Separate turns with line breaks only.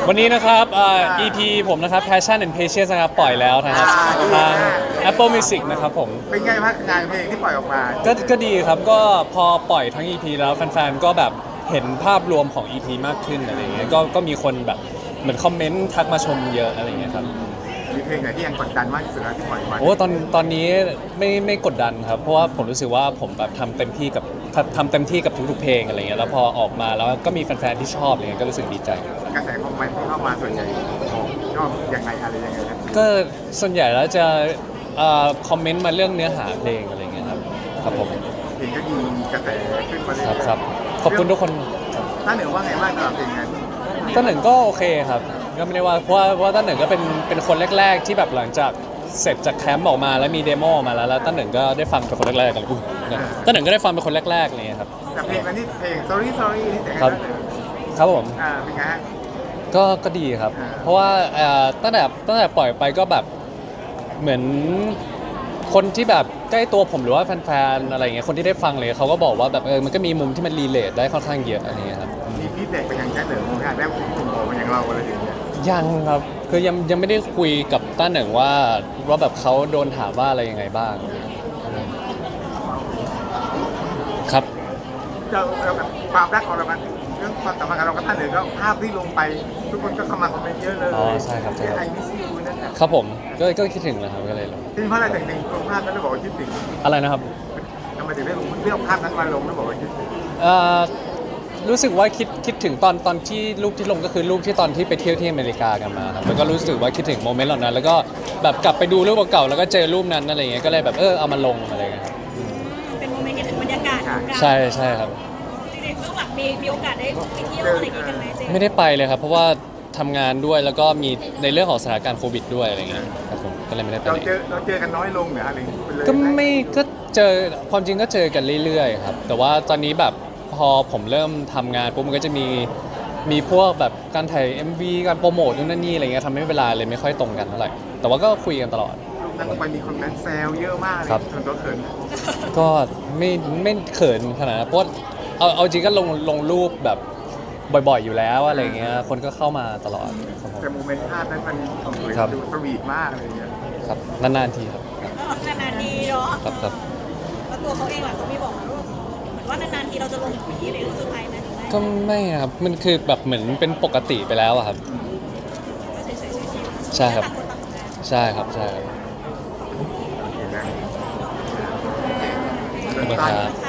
วันนี้นะครับEP ผมนะครับ Passion and Patience นะครับปล่อยแล้วนะครับทาง Apple Music นะครับผม
เป็นไงบ้างงานเพลงที่ปล่อยออกมา
ก็ดีครับก็พอปล่อยทั้ง EP แล้วแฟนๆก็แบบเห็นภาพรวมของ EP มากขึ้นอะไรเงี้ยก็มีคนแบบเหมือนคอมเมนต์ทักมาชมเยอะอะไรเงี้ยครับ
มีเพลงไหนที่ยังกดดันมากที่สุดแล้วที่ปล่อยออกมา
โอ้ตอนนี้ไม่กดดันครับเพราะว่าผมรู้สึกว่าผมแบบทำเต็มที่กับทุกๆเพลงอะไรเงี้ยแล้วพอออกมาแล้วก็มีแฟนๆที่ชอบอะไรเงี้ยก็รู้สึกดีใจ
กระแสคอมเมนต์ที่เข้ามาส่วนใหญ่ชอบยังไงอะไรยังไงนะ
ก็ส่วนใหญ่แล้วจะคอมเมนต์มาเรื่องเนื้อหาเพลงอะไรเงี้ยครับผม
เพลงก็ดีกระแสขึ้นมาเลย
ครับขอบคุณทุกคน
ท่านหนึ่งว่าไงบ้างสำหรับเพลงนั้น
ต้นหนึ่งก็โอเคครับก็ไม่ได้ว่าเพราะว่าต้นหนึ่งก็เป็นคนแรกๆที่แบบหลังจากเสร็จจากแคมป์ออกมาแล้วมีเดโมออกมาแล้วต้นหนึ่งก็ได้ฟังเป็นคนแรกๆกันต้นหนึ่งก็ได้ฟังเป็นคนแรกๆอะไรเลยครับ
แต่เพลงนั้นนี่เพลง sorry sorry นี่แต่ง
ครั
ให้
บ
เลย
ครับผม
เป็นไงฮะ
ก็ดีครับ เพราะว่าตั้งแต่ปล่อยไปก็แบบเหมือนคนที่แบบใกล้ตัวผมหรือว่าแฟนๆอะไรเงี้ยคนที่ได้ฟังเลยเขาก็บอกว่าแบบมันก็มีมุมที่มันรีเลทได้ค่อนข้างเยอะอะไรเงี้ยครับ
มีฟีดแบ็กไปยังแค่เหนือมองได้กลุ่มโอเป็นอย่างเราอะไรอย่างเงี้ย
ยังครับคือยังไม่ได้คุยกับต้าเหนึ่งว่าแบบเขาโดนถามว่าอะไรยังไงบ้างครับ
เรากับความรักของเรามันเรื่องความสัมพันธ์กับเรากับท่านหนึ่งก็ภาพที่ลงไป ทุกคนก็เข้ามาคอมเมนต์เยอะเลย
อ๋อใช่ครับ
ไอมิสยูนั่นแหละ
ครับผมก็คิดถึงนะครับก็เลยลง
ที่เพราะอะไรถึงลงภาพนั้นแล้วบอกว่าคิดถึง
อะไรนะครับ
ทำไมถึงได้ลงเลือกภาพนั้นมาลงแล้วบอกว่าคิดถึง
เอ่อรู้สึกว่าคิดถึงตอนที่รูปที่ลงก็คือรูปที่ตอนที่ไปเที่ยวที่อเมริกากันมาครับแล้วก็รู้สึกว่าคิดถึงโมเมนต์เหล่านั้นแล้วก็แบบกลับไปดูรูปเก่าๆแล้วก็เจอรูปนั้นอะไรเงี้ยก็เลยแบบเอามาลงอะไรเงี้ยครับ
เป็นโมเมนต์คิดถึงบรรยากาศของการ
ใช่ครับ
จริงๆเบื้องหลังมีโอกาสได้ไปเที่ยวอะไรอย่างงี้กันไหมเจ
ไม่ได้ไปเลยครับเพราะว่าทำงานด้วยแล้วก็มีในเรื่องของสถานการณ์โควิดด้วยอะไรเงี้ยครับผมก็เลยไม่ได้ไป
เรา
ไหน
เจอกันน้อยลงเหรออะไรเป็นเลย
ก็ไม่ก็เจอความจริงก็เจอกันเรื่อยๆครับแต่ว่าตอนนี้แบบพอผมเริ่มทำงานปุ๊บมันก็จะมีพวกแบบการถ่าย MV การโปรโมทนู่นนั่นนี่อะไรเงี้ยทำให้เวลาเลยไม่ค่อยตรงกันเท่าไหร่แต่ว่าก็คุยกันตลอด
รูปนั้นลงไปมีคนนั้นแซวเยอะมากเลย
ครับ
จนตัวเขิน
ก็ไม่เขินขนาดนั้นเพราะว่าเอาจริงก็ลงรูปแบบบ่อยๆอยู่แล้วอะไรเงี้ยคนก็เข้ามาตลอดครับผม
แต่โมเมนต์ภาพนั้นมันสวย
ครับ
ดูสวีทมากอะไรอย่างเงี้ย
ครับนานๆทีครับ
นานๆทีเนาะ
ครับ
แล้วตัวเขาเองล่ะเขามีบอกมาว่าเหมือนว่านานๆทีเราจะลงอย่างนี้ในรูปสุดท้ายนะหรือไม่
ก็ไม่ครับมันคือแบบเหมือนเป็นปกติไปแล้วอะครับ
ก็เฉยๆ
ใช่ครับ
ต่างคนต่างทำงาน
ใช่ครับใช่ครับ
เห็นไหม
ขอบคุณครับ